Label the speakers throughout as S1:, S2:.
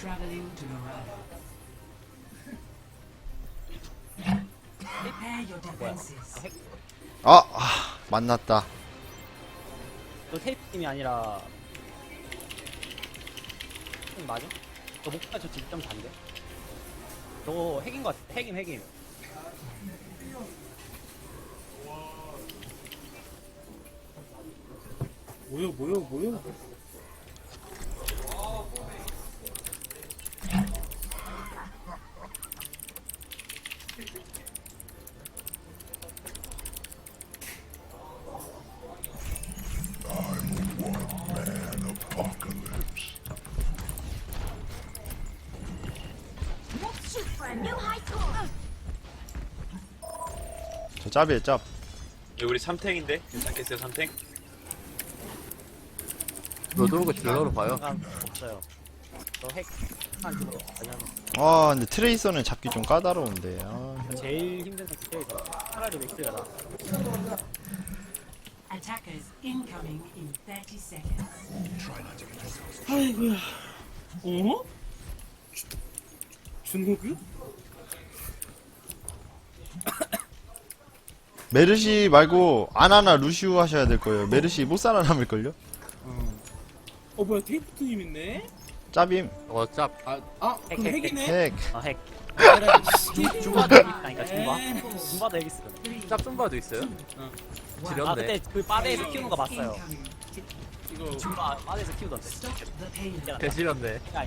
S1: traveling to Dorado. Prepare your defenses.
S2: 만났다.
S3: 너 테이프 팀이 아니라 맞아? 너 목표가 저 1.4인데? 저거 핵인 것 같아. 핵임.
S4: 뭐요?
S2: 저 짭이에요, 짭.
S5: 우리 3탱인데? 괜찮겠어요 3탱?
S6: 로드로그 딜러로 봐요.
S3: 없어요. 저핵한 집으로
S2: 근데 트레이서는 잡기 좀 까다로운데.
S3: 제일 힘든 선택이죠. 차라리 맥스가 나.
S1: Attackers incoming in 30 seconds.
S4: 아이고야. 어? 준호규?
S2: 메르시 말고 아나나 루시우 하셔야 될 거예요. 메르시 못 살아남을걸요?
S4: 뭐야 테이프트님 있네?
S2: 짭임.
S6: 짭.
S4: 그럼 핵이네?
S2: 핵.
S3: 핵.
S4: 에라이,
S3: 중바도 핵 있다니까 중바. 중바도 핵 있어.
S6: 짭 좀바도 있어요? 지렸네.
S3: 그때 그 바다에서 키우는 거 봤어요.
S4: 이거
S3: 중바 바다에서 키우던데.
S1: Stop the pain.
S6: 개지렸네.
S3: 아이.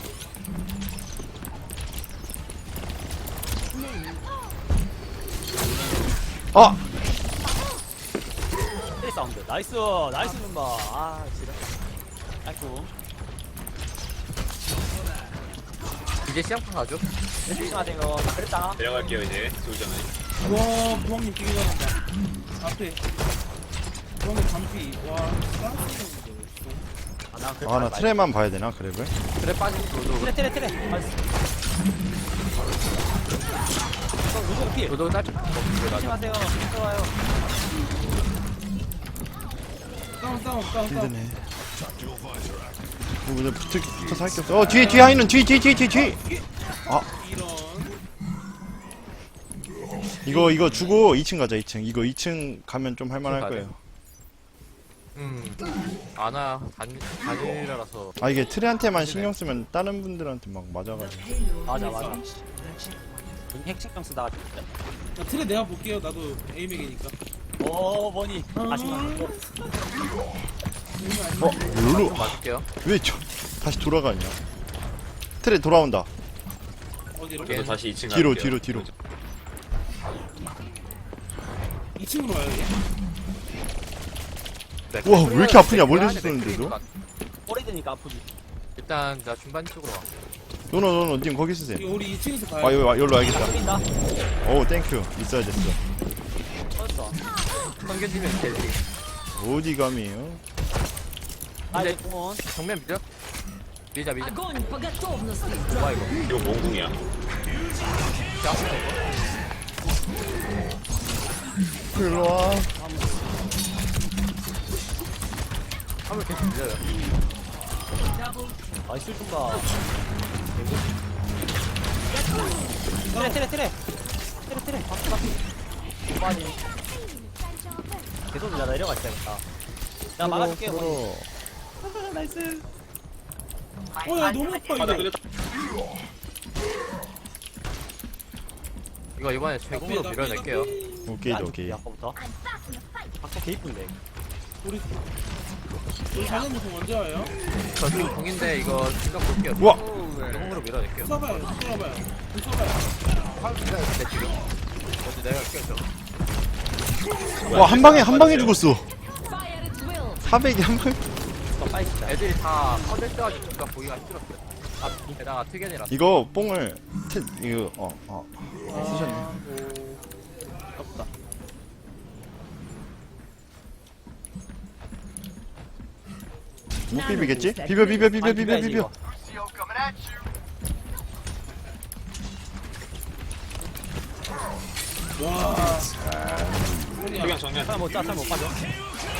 S3: 트레 사운드. 나이스 중바. 지려. 아이고.
S6: 이제 시장판 가죠?
S3: 조심하세요. 그랬다.
S5: 내려갈게요 이제 솔저는.
S4: 와 부왕님 되게 잘한다. 앞에 부왕님 반피. 와 깜짝이야.
S2: 나 트레만 봐야 되나, 그래도?
S6: 그래 빠진 로드로그.
S3: 트레. 나이스. 누구 피?
S6: 로드로그 짤.
S3: 조심하세요. 들어와요.
S4: 다운.
S2: 힘드네. 이거 붙어서 할 게 없어. 뒤에 하이는 뒤.
S4: 이런.
S2: 이거 주고 2층 가자, 2층. 이거 2층 가면 좀 할만할
S6: 가야
S2: 거예요.
S6: 아나 단일이라서.
S2: 이게 트레한테만 신경 쓰면 다른 분들한테 막 맞아가지고.
S3: 맞아. 핵 신경 쓰다가
S4: 나 틀에 내가 볼게요. 나도 에이맥이니까.
S3: 뭐니? 아쉽다.
S2: 룰루.
S6: 맞을게요.
S2: 왜 다시 돌아가냐? 트레 돌아온다.
S4: 어디로?
S5: 저도 다시 2층
S2: 뒤로.
S5: 갈게요.
S4: 2층으로 와요.
S2: 우와, 왜 이렇게 아프냐, 멀리서 쏘는데도?
S3: 오래되니까 아프지.
S6: 일단 나 중반 쪽으로 와.
S2: 노노, 님 거기 쓰세요.
S4: 이거 우리 2층에서 가요.
S2: 여기로 와야겠다.
S3: 뛴다.
S2: 오, 땡큐. 있어야 됐어.
S3: 터졌어.
S6: 성견지면 되지.
S2: 어디 감이에요?
S3: 이제 공원.
S6: 정면 밀려? 밀자.
S1: Огонь по готовности.
S6: 뭐야 이거?
S5: 이거 몽궁이야.
S2: 일로 와.
S6: 화물 계속 밀려요.
S3: 나이스 중가. 트레. 바퀴. 계속 나 내려가 있어야겠다. 나 막아줄게. 나이스.
S4: 야 너무 아파
S5: 바다
S4: 이거.
S5: 끌렸다.
S6: 이거 이번에 제공으로 밀어낼게요.
S2: 오케이.
S3: 아까부터. 아까 개 이쁜데.
S4: 우리 자네부터 먼저 와요.
S6: 저 지금 공인데 이거 생각 볼게요.
S2: 우와.
S6: 제공으로 밀어낼게요.
S4: 써봐요.
S6: 화물 밀어야 돼 지금. 먼저 내려갈게요 저.
S2: 와, 한 방에 죽었어.
S1: Fire at will.
S2: 400이 한 방에.
S3: 빨리 진짜.
S6: 애들이 다 퍼질 때가지고 뭔가 보기가 힘들었어요. 게다가 특이이라
S2: 이거 뽕을 쓰셨네.
S3: 없다.
S2: 못 비비겠지? 비벼.
S4: 와.
S5: 그냥 정면.
S3: 사람 못 빠져.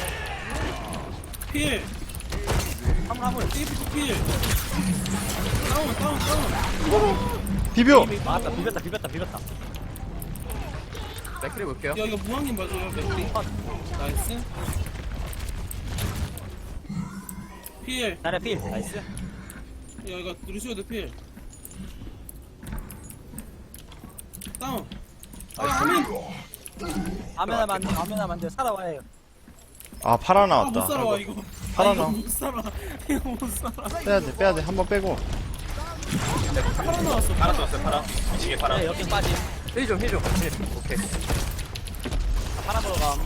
S4: 필.
S3: 화물.
S4: 테이프트 필. 다운.
S2: 비벼.
S3: 맞다. 비볐다.
S6: 맥크리 볼게요.
S4: 야, 이거 무한님 맞아요, 맥리. 나이스. 필.
S3: 자리야 필. 나이스.
S4: 야, 이거 루시오드 필. 다운. 아, 아멘.
S3: 아메나 만들 살아와야 해요.
S2: 아 파라
S4: 아, 못
S2: 나왔다.
S4: 살아와, 이거.
S2: 살아
S4: 아, 이거
S2: 나와.
S4: 못 살아. 이거 못 살아.
S2: 빼야돼 한번 빼고.
S4: 팔아 나왔어.
S5: 파라 쏘았어요 파라. 미치게 파라.
S3: 네, 역행 빠짐.
S6: 힐 좀. 오케이.
S3: 하나 보러 감.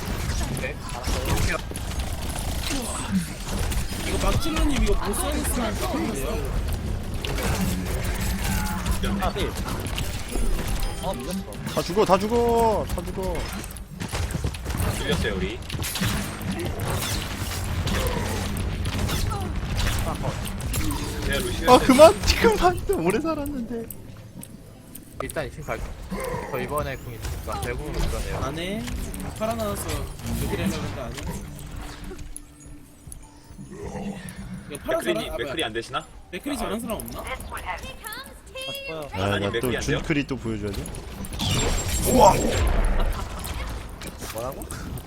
S4: 이거 막질러님 이거 못 살겠으면 좋겠는데요?
S3: 하나 필. 밀렸어.
S2: 다 죽어.
S5: 밀렸어요 우리. 내가 루시오.
S2: 아 그만 또 오래 살았는데.
S6: 일단 2층 갈게. 저 이번에 궁 있으니까 대궁으로 밀어내요.
S4: 안 해. 팔아 나왔어. 여기를 하려고 했는데 안 해. 이거 팔아
S5: 맥크리
S4: 사람?
S5: 맥크리 안 되시나?
S4: 맥크리 잘하는 사람 없나?
S3: 맞고요.
S5: 아니,
S2: 야나 또
S5: 맥클이 안 돼요?
S2: 준크리 또 보여줘야 돼.
S3: 뭐라고?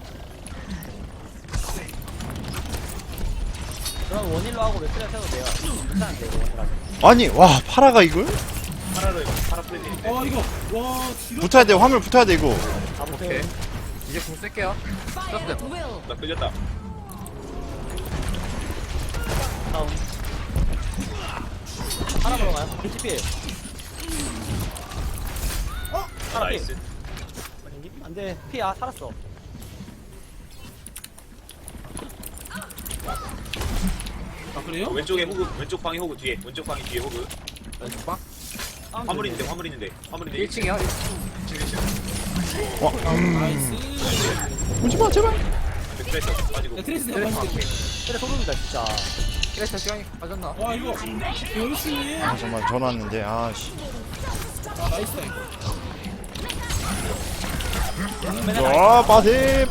S3: 그럼 원일로 하고 맥크리 해도 돼요. 괜찮은데 이거 원일 하죠.
S2: 아니 와 파라가 이걸?
S5: 파라로 파라 플랜인데.
S4: 이거 와 지금
S2: 붙어야 돼 화물 붙어야 돼 이거.
S6: 오케이. 이제 궁 쓸게요.
S1: Fire at will.
S5: 나 끌렸다.
S3: 다운. 하나 보러 가요. 필. 하나 필.
S5: 나이스.
S3: 안돼. 피야 살았어.
S4: 아 그래요?
S5: 왼쪽에 호그 왼쪽 방에 호그 뒤에 왼쪽 방에 뒤에 호그.
S6: 왼쪽 방.
S5: 화물 있는데 화물 있는데
S6: 1층이요.
S4: 나이스.
S2: 오지마 제발.
S5: 트레이서 빠지고.
S4: 야 트레이스 내가 봤을 때.
S3: 그래 소름이다 진짜.
S6: 그래서 시간이 빠졌나?
S4: 와 이거 열심히 해.
S2: 아 정말 전화 왔는데 아씨.
S4: 아 나이스다 이거.
S2: 와 빠세.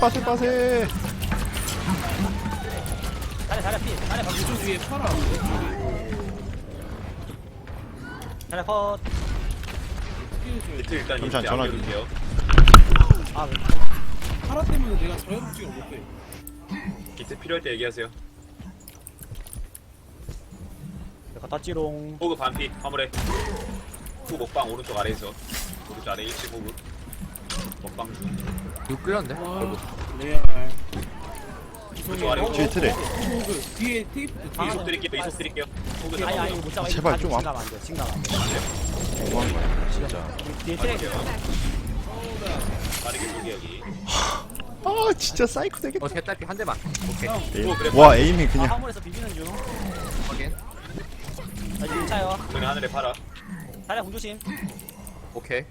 S3: 잘해 필. 잘해 방.
S4: 이쪽 위에 팔아.
S3: 잘해 컷.
S5: 비트 일단
S2: 잠시만,
S5: 이제
S2: 전화
S5: 안 볼게요.
S3: 아
S4: 팔아 때문에 내가 자유롭지가 못해.
S5: 비트 필요할 때 얘기하세요.
S3: 갖다 찌롱.
S5: 호그 반피 화물에. 후 먹방 오른쪽 아래에서. 오른쪽 아래 1층 호그. 먹방 중.
S6: 이거 끌렸네.
S4: 와 레알.
S5: 오른쪽 아래 호그.
S2: 뒤에 트레.
S4: 호그 뒤에 테이프
S5: 이속 드릴게요. 이속 드릴게요. 호그
S3: 아니
S5: 잡아요.
S3: 못 잡아.
S2: 제발 좀
S3: 지금 가면 안 돼. 지금 가면 안 돼.
S2: 너무한 거야 진짜.
S3: 뒤에 트랙.
S5: 빠르게 쏘기 여기.
S2: 아 진짜 사이코 되겠다.
S6: 개딸피 한 대만. 오케이.
S5: 오, 그래.
S2: 와 에임이
S3: 아,
S2: 그냥.
S3: 화물에서 비비는 중.
S6: 확인.
S3: 나 지금 차요.
S5: 그냥 하늘에 팔아.
S3: 자리야 공조심.
S6: 오케이.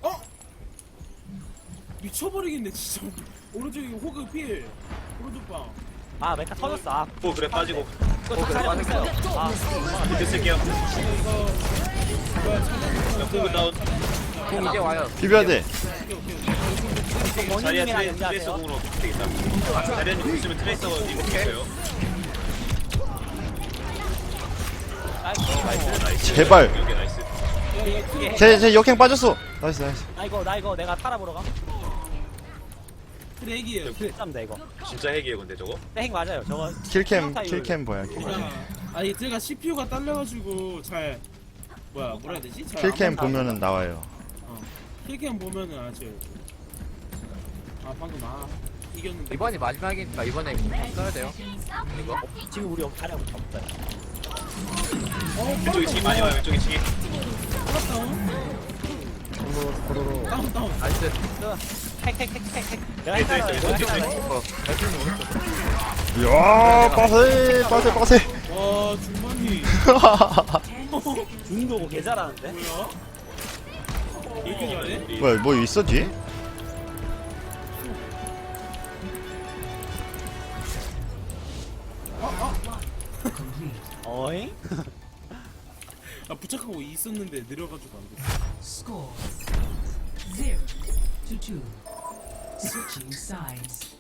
S4: 미쳐버리겠네 진짜. 오른쪽에 호그 필. 오른쪽 방.
S3: 아 메카 터졌어. 아
S5: 오 그래 빠지고.
S3: 이거 다 자리야
S6: 맞았어.
S3: 됐어요. 아
S5: 비트 쓸게요. 호그 다운.
S6: 궁 이제 와요.
S2: 비벼야 돼.
S5: 자리야
S3: 원인님이랑
S5: 트레이서
S3: 연기하세요.
S5: 공으로 되겠다. 자리야님 있으면 트레이서 이거 있어요. 나이스.
S2: 제발.
S5: 여기 나이스.
S2: 제 역행 빠졌어. 나이스.
S3: 나 이거 내가 팔아보러 가.
S4: 트랙이에요.
S3: 쌈다 이거.
S5: 진짜 핵이에요 근데 저거.
S3: 핵 맞아요. 저거
S2: 킬캠
S3: 타이밍.
S2: 뭐야 킬캠.
S4: 아니 제가 CPU가 딸려가지고 잘 뭐라 해야 되지? 잘
S2: 킬캠
S4: 안
S2: 보면은 나와요.
S4: 킬캠 보면은 아주 방금 이겼는데.
S6: 이번이 마지막이니까 이번에 궁 써야 돼요. 이거.
S3: 지금 우리 자리야 못 잡았다.
S5: 왼쪽에 층이 많이 와요. 왼쪽에 층이.
S4: 다운.
S6: 나이스.
S3: 핵. 내가
S5: 네, 트레이서 왼쪽
S3: 했잖아.
S5: 트레이서.
S2: 야 빠세.
S4: 와 중반이
S3: 중도고 개 잘하는데.
S4: 뭐야? 이렇게 잘해?
S2: 뭐야 뭐 있어 뒤에?
S3: 어잉?
S4: 아 부착하고 있었는데 느려가지고 안 됐어.
S1: Score 0 to 2. Switching sides.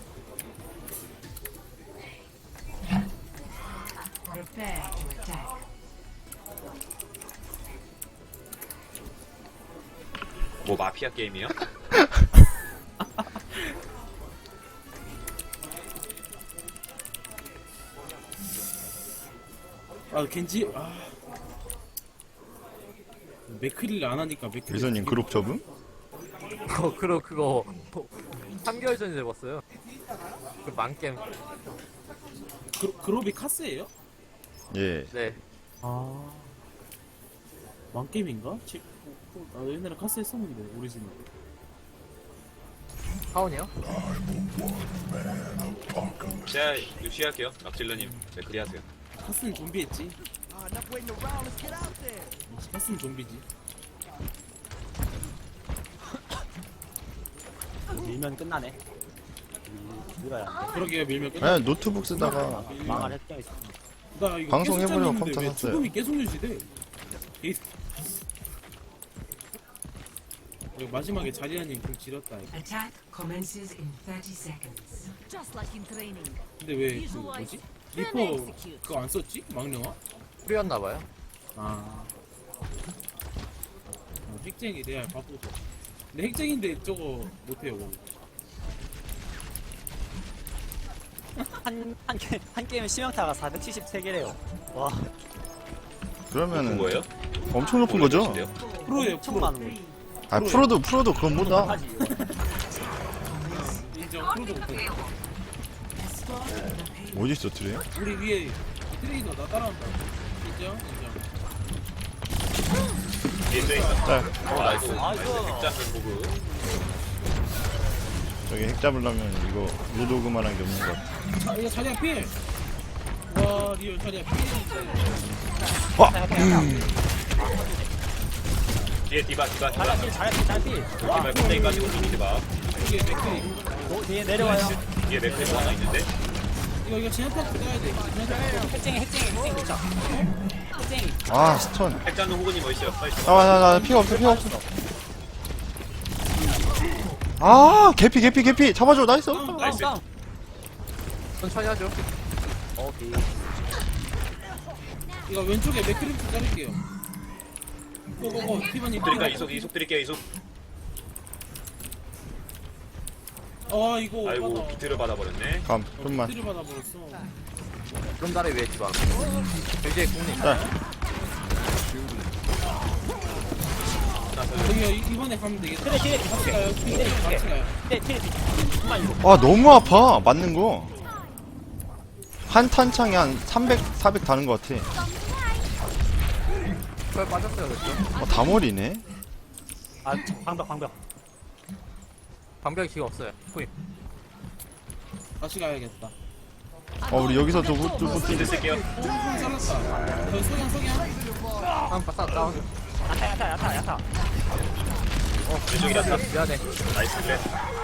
S1: Prepare to attack.
S5: 뭐 마피아 게임이요?
S4: 아 겐지 맥크리를 안 하니까 맥크리.
S2: 미소님 그룹 접음?
S6: 그거 3개월 전에 해봤어요. 그 망겜.
S4: 그룹이 카스예요?
S2: 예.
S6: 네.
S4: 아 왕게임인가? 나 옛날에 카스 했었는데 오리지널.
S6: 하원이요?
S5: 제가 유시할게요. 락질러님. 네, 그리 하세요.
S4: 카스는 좀비했지. 카스는 좀비지.
S3: 밀면 끝나네. 밀어야 돼.
S4: 그러게요 밀면 끝.
S2: 아니 노트북 쓰다가
S3: 망할 획정이 있어.
S4: 나 이거
S2: 방송
S4: 계속
S2: 해보려고
S4: 잘렸는데
S2: 컴퓨터
S4: 왜
S2: 샀어요.
S4: 죽음이 계속 유지돼? 이거 마지막에 자리아님 좀 지렸다 이거.
S1: Attack commences in 30 seconds.
S7: Just like in training.
S4: 근데 왜 그 뭐지? 리퍼 그거 안 썼지? 망령아?
S6: 뿌렸나봐요.
S4: 핵쟁이 레알 바꾸고. 근데 핵쟁인데 저거 못해요. 뭐.
S3: 한 게임에 심형타가 473개래요. 와,
S5: 높은
S2: 그러면은
S5: 거예요?
S2: 엄청 높은 거죠?
S4: 프로예요 프로.
S3: 천만 원.
S2: 아 프로도 그건 뭐다.
S3: 하지.
S4: 인정 프로도 못해.
S2: 어디 있어 트레?
S4: 우리 위에 트레이너 나 따라온다. 인정?
S5: 뒤에 또 있어.
S2: 짤.
S5: 나이스.
S3: 나이스.
S5: 백장면 보고.
S2: 저기 핵 잡으려면 이거 로도그만한 게 없는 것 같아.
S4: 이거 자리야 필. 와 리얼 자리야 필인데.
S5: 뒤에 디바.
S3: 잘했지.
S5: 디바 껍데기 가지고 좀 디바.
S4: 이게 맥크리.
S3: 뒤에 내려와요.
S5: 뒤에 맥크리가 하나 있는데.
S4: 이거 진압탑 가야 돼. 진압탑.
S3: 핵쟁이 그쵸? 핵쟁이.
S2: 아 스턴.
S5: 핵장면 호구님 어딨어요? 빨리 좀.
S2: 나 피가 없어. 아 개피 잡아줘. 나이스.
S5: 나이스.
S3: 다운.
S6: 천천히 하죠.
S3: 오케이.
S4: 이거 왼쪽에 맥크리 좀 자를게요. 고고고 티바님.
S5: 드릴까? 이속 드릴게요. 이속.
S4: 이거
S5: 아이고
S4: 받아.
S5: 비트를 받아버렸네.
S2: 감 좀만.
S4: 비트를 받아버렸어.
S6: 그런 달에 왜 지방? 이제 국립.
S4: 여기 이번에 가면 되겠다.
S3: 트레
S4: 같이 가요. 같이 가요.
S3: 트레. 정말 이거.
S2: 아 너무 아파 맞는 거. 한 탄창이 한 300, 400 다는 것 같아.
S6: 그걸 빠졌어요, 그렇죠?
S2: 다 머리네.
S3: 아, 방벽.
S6: 방벽이 기가 없어요. 포임.
S4: 다시 가야겠다.
S2: 우리 여기서 또
S5: 비트 쓸게요.
S4: 잘랐다. 소양.
S6: 한 바싹 다운.
S3: 야타.
S5: 왼쪽이라서.
S6: 미안해.
S5: 나이스 그래.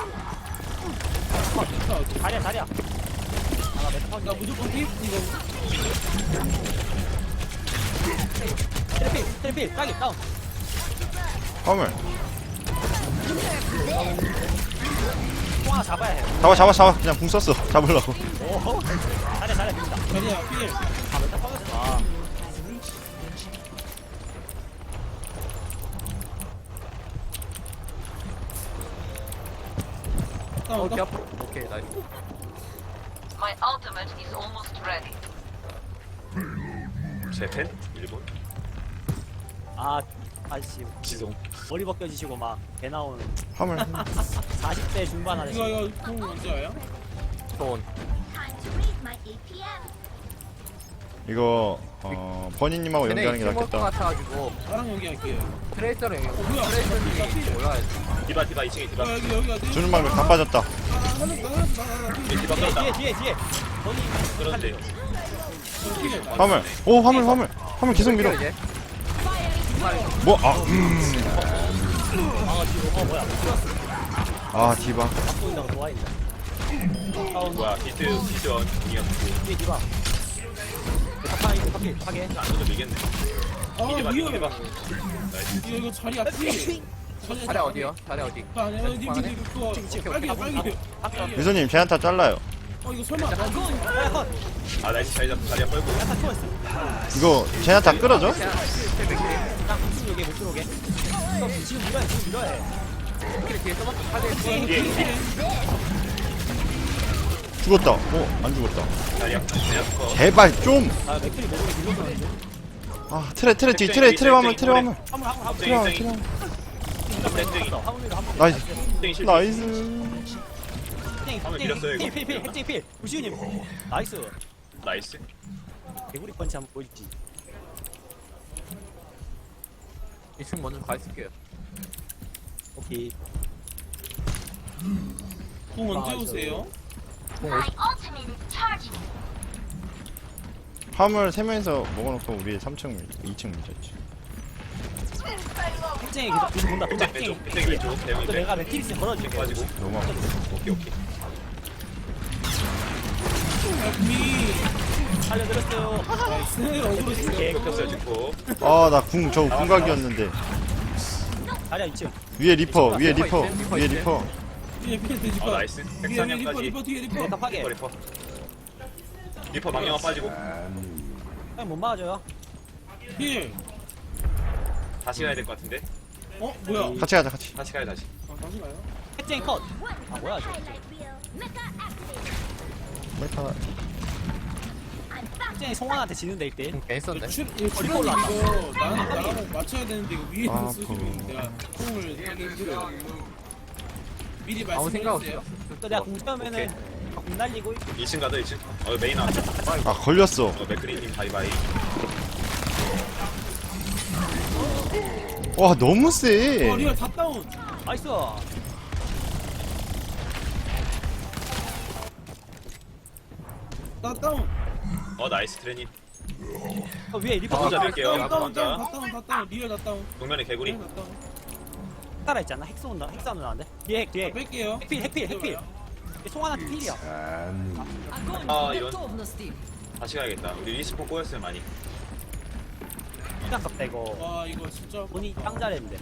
S3: 자리야.
S4: 나 무조건 피? 이거.
S3: 트레필. 딱이 다운.
S2: 화물.
S3: 통 하나 잡아야 해요.
S2: 잡아. 그냥 궁 썼어. 잡으려고.
S3: 오, 잘해 됩니다.
S4: 자리야 필.
S3: 아,
S6: 오케이, 앞으로. 오케이, 나이스.
S7: My ultimate is almost ready.
S5: 제펜? 일본?
S3: 아씨
S5: 지송.
S3: 머리 벗겨지시고 막 배 나온
S2: 화물.
S3: 40대 중반 아저씨.
S4: 이거 공 언제 와요?
S6: 좋은.
S2: 이거 버니님하고 연기하는 게
S6: 팀워크
S2: 낫겠다.
S6: 같아가지고
S4: 나랑 연기할게요.
S6: 트레이서를
S4: 뭐야?
S6: 트레이서님이 올라가야지.
S5: 디바 2층에 디바.
S4: 여기 어디?
S2: 주는 방법 다 빠졌다.
S4: 나.
S5: 뒤에 디바 끌었다.
S3: 뒤에.
S5: 끌었는데.
S2: 화물. 오 화물 계속 밀어.
S6: 이제.
S2: 뭐
S3: 아, 뒤로. 뭐야?
S2: 디바.
S3: 보인다고 좋아했네.
S5: 뭐야 비트 원 공이야.
S3: 뒤에 디바. 파괴.
S5: 안 써도 밀겠네. 디바
S4: 위험해.
S5: 나이스.
S4: 이거 자리 앞이.
S6: 자리 어디요? 자리 어디?
S4: 님 그거 빨개.
S2: 미소님 제한타 잘라요.
S4: 이거 설마.
S5: 아 나이스 자리야 뻘고.
S2: 이거 제한타 끌어줘?
S3: 나 혹시 여기 못 들어오게. 지금 밀어야 지금 밀어야
S6: 이렇게 뒤에 써봤자 카드에
S5: 뒤에
S2: 죽었다. 안 죽었다.
S5: 자리야. 내렸어.
S2: 제발 좀.
S3: 아 맥클이 목으로 밀어줬는데
S2: 아 트레 화물 트레 화물.
S3: 화물 화물
S2: 트레 화물
S5: 땡땡이.
S2: 트레 화물.
S5: 땡땡이.
S3: 화물이로 한번
S2: 나이스.
S5: 땡땡이 실패.
S2: 나이스.
S5: 화물 밀었어요, 이거.
S3: 필 핵쟁이 필 우시우님 나이스
S5: 나이스.
S3: 개구리 펀치 한번 보여주지
S6: 2층 먼저 가 있을게요.
S3: 오케이
S4: 공 언제 오세요?
S7: My ultimate is charging.
S2: 화물 3명이서 먹어놓고 우리 2층 밀쳤지.
S3: 핵쟁이 계속 본다 본다
S5: 땡땡이
S3: 핵쟁이
S5: 왼쪽. 땡땡이 왼쪽.
S3: 또
S5: 대형인데.
S3: 내가 맥키리스 걸어줄게
S5: 빠지고.
S2: 너무 아파.
S5: 오케이 오케이.
S3: 살려드렸어요
S4: 나이스 어그로 있어.
S5: 겹쳤어요 지금.
S2: 아 나 저 궁각이었는데.
S3: 다리야 2층
S2: 위에 리퍼 위에 리퍼
S6: 리퍼
S2: 위에
S6: 있네.
S2: 리퍼.
S4: 뒤에 피해 돼지
S5: 어 나이스.
S4: 리퍼
S5: 103명까지.
S4: 리퍼 뒤에 리퍼.
S3: 내가 파괴
S5: 리퍼. 리퍼 망령아 빠지고.
S3: 그냥 못 막아줘요
S4: 필.
S5: 다시 가야 될 것 같은데.
S4: 뭐야?
S2: 같이 가자 같이.
S5: 다시 가요 다시.
S4: 다시 가요?
S3: 핵쟁이 컷아 뭐야 저
S2: 메카.
S3: 핵쟁이 송환한테 지는데 1대1
S6: 괜히 썼네.
S4: 출연 이거 나랑 맞춰야 되는데 이거 위에서
S2: 아,
S4: 쓰시면 내가 공을 하기 힘들어. 미리
S6: 아무 생각
S4: 말씀해주세요.
S6: 없어요.
S3: 또 내가 공 차면은 공 날리고
S5: 2층 가자 2층. 메인 나왔어.
S2: 아 걸렸어.
S5: 맥크리님 바이바이.
S2: 와 너무 세.
S4: 리얼 다 다운.
S3: 나이스
S4: 다 다운.
S5: 나이스 트레님.
S3: 위에 리퍼
S5: 혼자
S3: 혼자
S5: 뺄게요.
S4: 다운, 다운,
S5: 혼자.
S4: 다 다운. 리얼 다 다운.
S5: 정면에 개구리.
S4: 리얼 다 다운.
S3: 따라 있잖아 핵 쏜다 핵 쏘면 나는데 뒤에 핵 뒤에
S4: 뺄게요.
S3: 핵필 송환한테 필이야
S5: 아 이런.
S1: Готовности.
S5: 다시 가야겠다. 우리 리스폰 꼬였어요 많이.
S3: 시간 깝다 이거
S4: 와 이거 진짜.
S3: 본이 짱 잘했는데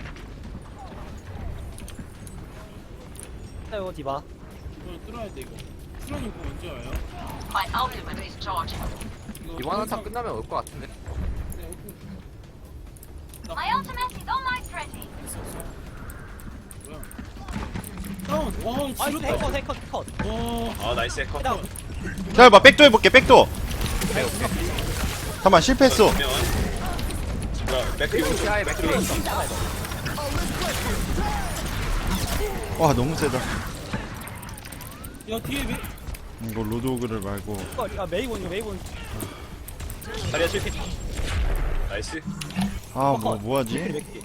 S3: 이거 디바
S4: 이거 뚫어야 돼 이거. 수련이 공 언제 와요?
S7: My ultimate is charging.
S6: 이번 한타 끝나면 올 것 같은데.
S7: My ultimate is almost ready.
S4: 다운. 와
S3: 나이스
S4: 지렸다.
S3: 핵컷
S4: 와.
S5: 나이스 해커.
S3: 다운
S2: 자, 백도 해볼게 백도. 잠깐만 실패했어.
S5: 맥크리 오른쪽.
S6: 시야에 맥크리
S2: 와 너무 세다.
S4: 야 뒤에 왜?
S2: 이거 로드오그를 말고.
S3: 야 메이곤
S5: 다리야 실패. 나이스.
S2: 아 뭐하지?
S3: 맥키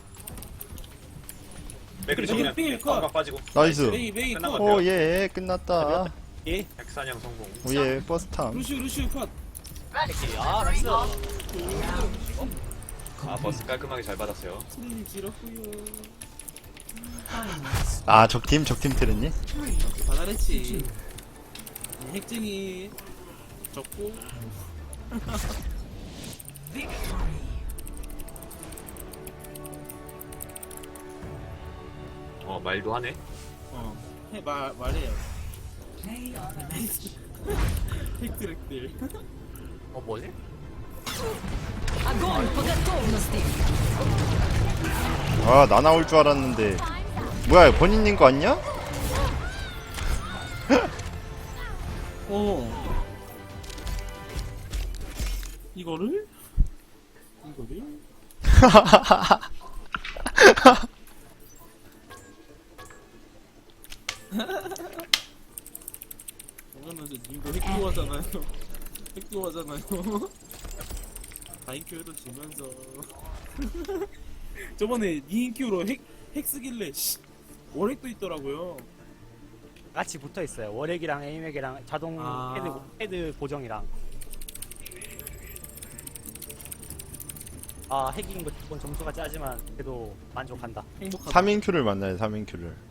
S5: 맥크리 정면.
S4: 필 컷.
S5: 깜빡 빠지고.
S2: 나이스.
S4: 메이
S5: 끝난 것
S4: 컷.
S5: 같아요.
S2: 오예 끝났다.
S3: 예
S5: 백사냥 성공.
S2: 오예 버스 탐.
S4: 루시우 컷.
S3: 맥키 아 나이스
S5: 버스 깔끔하게 잘 받았어요.
S4: 수련이 지렸고요.
S2: 아 적팀 트랬니?
S4: 다 잘했지. 핵쟁이 적고.
S5: 말도 하네.
S4: 말해요.
S1: Play of the match.
S4: 핵트랙들.
S6: 뭐지?
S1: Огонь по готовности.
S2: 아 나 나올 줄 알았는데. 뭐야 본인님 거 아니야?
S4: 이거를? 그러면서 님도 핵교하잖아요. 핵교하잖아요. 다인큐에도 지면서. 저번에 니인큐로 핵 쓰길래 월핵도 있더라고요.
S3: 같이 붙어 있어요 월핵이랑 에임핵이랑 자동
S4: 아.
S3: 헤드 보정이랑 아 핵인 거 조금 점수가 짜지만 그래도 만족한다
S4: 행복하다.
S2: 3인 큐를 만나요 3인 큐를.